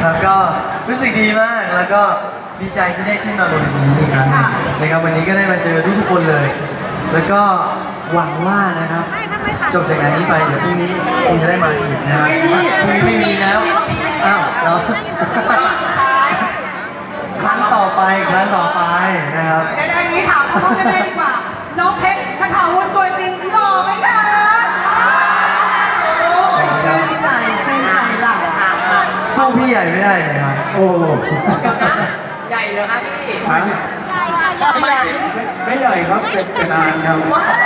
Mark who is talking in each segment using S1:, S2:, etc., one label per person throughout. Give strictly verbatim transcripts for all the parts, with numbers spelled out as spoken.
S1: ครับก็รู้สึกดีมากแล้วก็ดีใจที่ได้ขึ้นมาบนเวทีนี้อีกครั้งหนึ่งนะครับวันนี้ก็ได้มาเจอทุกๆคนเลย แล้วก็หวังว่านะครับจบจากงานนี้ไปเดี๋ยวพรุ่งนี้คงจะได้มาอีกนะครับพรุ่งนี้ไม่มีแล้วอ้าวเราครั้งต่อไปครั้งต่อไปนะครับ
S2: เดี๋ยวอันนี้ถามเขากันได้ดีกว่าน้องเพชรคาถาวุฒิตัวจริงหล่อไหมคะโอ้ยชื่นใจชื่นใจหล่ะ
S1: สู้พี่ใหญ่ไม่ได้เลยครับ
S3: โอ้
S4: ใหญ่เลยครับพี่
S3: ทั้งไม่ใหญ่ไม่ใหญ่ครับเป็นเป็นนานครับ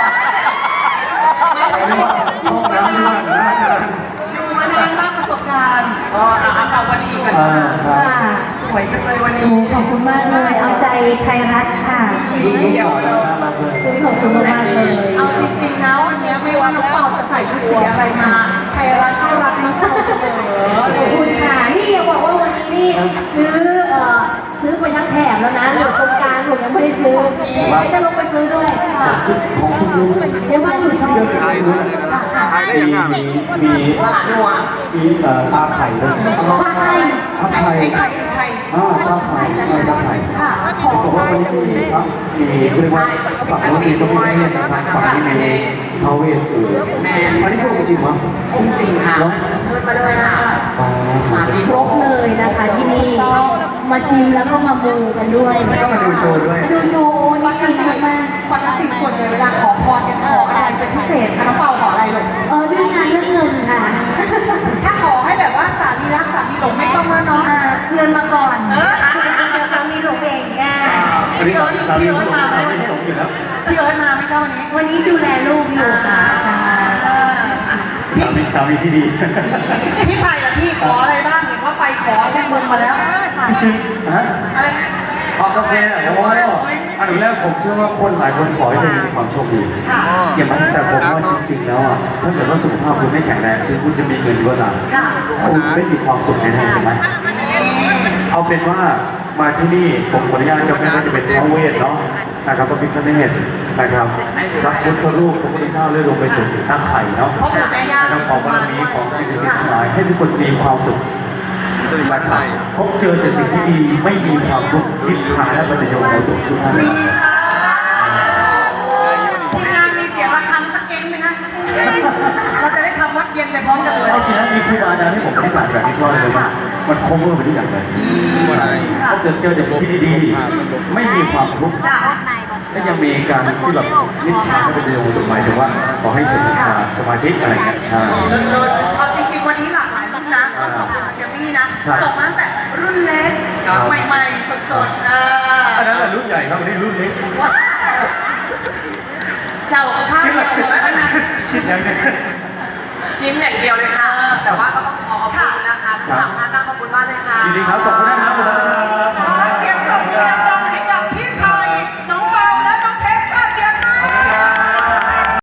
S3: ห้องน้ำนานนานนาน
S2: อยู่มานานมากประสบการณ์
S4: อ๋ออาตาวลีกัน
S3: ค่ะ
S2: สวยจังเลยวันนี้
S5: ขอบคุณมากเลยเอาใจไทยรัฐค่ะ
S3: ลูกหล่อแล้วน่ารักเลย
S5: ขอบคุณมากเลย
S2: เอาจริงๆนะวันนี้ไม่ว่าน้องเปาจะใส่ชุดสีอะไรมาไทยรัฐก็รักน้องเปาเสมอ
S5: ขอบคุณค่ะนี่อย่าบอกว่าวันนี้นี่ซื้อเอ่อซื้อไปทั้งแถบแล้วนะเหลือตรงกลางหนูยังไม่ได้ซื้อไม่จะลงไปซื้อด้วยค่ะ
S3: ของทุกลูก
S5: เดี๋ยวว่าหนูชอบ
S3: ไทยด้วยมีมีมี
S4: สลัดนัว
S3: มีเอ่อปลาไข่ด้วย
S5: ปลาไข่
S3: ปลาไข่
S2: ไข่ไข่
S3: อ่าปลาไข่ใช่ปลาไข่
S2: ค่ะ
S3: เขาบอกว่าวันนี้มีครับมีเรียกว่าฝั่งนู้นมีต้องมีเรื่องนะครับฝั่งที่มีเท้าเวทอยู่อันนี้พูดจริงมั้ย
S4: จริงค่ะเชิญมาเลยค่ะ
S3: มาที่
S5: ครบเลยนะคะที่นี่มาชิมแล้วก็มามูกันด้วย
S1: แล้วก็มาดูโชว์ด้วย
S5: ดูโชว์นี่ดีมาก
S2: ปกติส่วนใหญ่เวลาขอพรกันขออะไรเป็นพิเศษคะน้องเปาขออะไรลูก
S5: เออเรื่องงานเรื่องเงินค่ะ
S2: ถ้าขอให้แบบว่าสามีรักสามีหลงไม่ต้องแล้วเนาะ
S5: เงินมาก่อนเดี๋ยวสามีหลงเองแน่
S3: พี่เอิร์ธพี่เอิร์ธมาไหมพี่หลงอยู่แล้ว
S2: พี่เอิร์ธมาไหมเจ้าวันนี้
S5: วันนี้ดูแลลูกอยู่ค่ะใช่
S3: สามีสามีที่ดี
S2: พี่ไผ่ล่ะพี่ขออะไรบ้างเห็นว่าไปขอที่มึงมาแล้ว
S3: จริงฮะขอกาแฟโอ้ยอันดับแรกผมเชื่อว่าคนหลายคนขอให้ตัวเองมีความโชคดีเกี่ยวกับแต่ผมว่าจริงๆแล้วอ่ะถ้าเกิดว่าสุขภาพคุณไม่แข็งแรงถึงคุณจะมีเงินก็ตามคุณไม่มีความสุขแน่ๆใช่ไหมเอาเป็นว่ามาที่นี่ผมขออนุญาตจะไม่ว่าจะเป็นท้าวเวทเนาะนะครับพระพิฆเนศนะครับพระพุทธรูปพระพุทธเจ้าเลื่อยลงไปถึงหน้าไข่เนาะนะครับขอบารมีของสิ่งศักดิ์สิทธิ์ทั้งหลายให้ทุกคนมีความสุขพบเจอแต่สิ่งที่ดีไม่มีความทุกข์นิพพานและปัญญาของตัวทุกท่าน
S2: ทีมงานมีเสียงระฆังสักเก่งไหมคะเราจะได้ทำวัดเย็นไปพร้อมกันเลย
S3: เอาจริงนะมีครูบาอาจารย์ที่ผมให้ผ่านแบบนี้ก็เลยว่ามันคงเมื่อไปทุกอย่างเลยถ้าเกิดเจอแต่สิ่งที่ดีๆไม่มีความทุกข์ก็ยังมีการที่แบบนิพพานและปัญญาของตัวหมายถึงว่าขอให้ถึงสมาธิอะไรเงี้ยใช่
S2: เอาจริงๆวันนี้หลากหลายรุ่นนะต้องขอบคุณเจมี่นะส่งมาตั้งแต่รุ่นเล็กใหม่ๆสดๆ
S3: อันนั้นแหละรุ่นใหญ่ครับอันนี้รุ่นเล็ก
S2: เจ้าผ้าเดียวกันนะ
S3: คิดอย่างนี้
S4: ยิ้มอย่างเดียวเลยค่ะแต่ว่าก็ต้องขอขอบคุณนะคะทั้งสามท่านขอบคุณมากเลยค่ะ
S3: ยินดีครับขอบคุณนะครับ